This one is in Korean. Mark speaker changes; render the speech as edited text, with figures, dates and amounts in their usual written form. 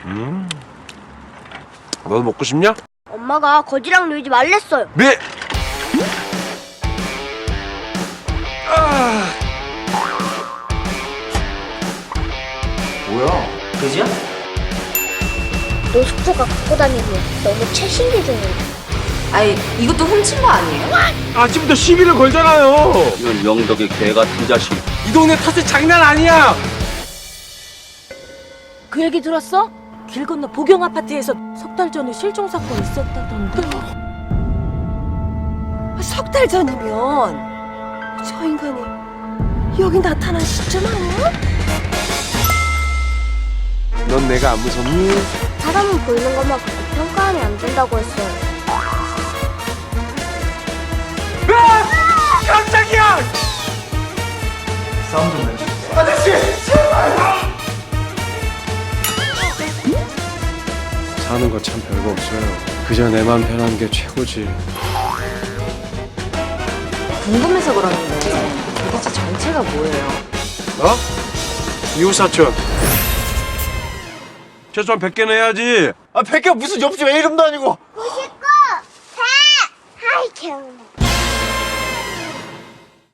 Speaker 1: 너도 먹고 싶냐?
Speaker 2: 엄마가 거지랑 놀지 말랬어요.
Speaker 1: 네.
Speaker 3: 뭐야? 그지야?
Speaker 2: 너 숙소가 갖고 다니고 너무 최신 기종이야.
Speaker 4: 아이, 이것도 훔친 거 아니에요?
Speaker 1: 아침부터 시비를 걸잖아요.
Speaker 3: 이런 영덕의 개 같은 자식.
Speaker 1: 이 동네 탓에 장난 아니야.
Speaker 5: 그 얘기 들었어? 길 건너 보경 아파트에서 석 달 전에 실종 사건 있었다던데. 석 달 전이면 저 인간이 여기 나타난 시점 아니야?
Speaker 1: 넌 내가 안 무섭니?
Speaker 2: 사람은 보이는 것만 보고 평가하면 안 된다고 했어요.
Speaker 1: 깜짝이야!
Speaker 3: 싸움 좀 내줘.
Speaker 1: 사는 거 참 별거 없어요. 그저 내 맘 편한 게 최고지.
Speaker 4: 궁금해서 그러는데 도대체 정체가 뭐예요?
Speaker 1: 어? 이웃사촌. 최소한 100개는 해야지.
Speaker 3: 아, 백개 무슨 옆집 왜 이름도 아니고.
Speaker 2: 99! 100! 아이, 개운해.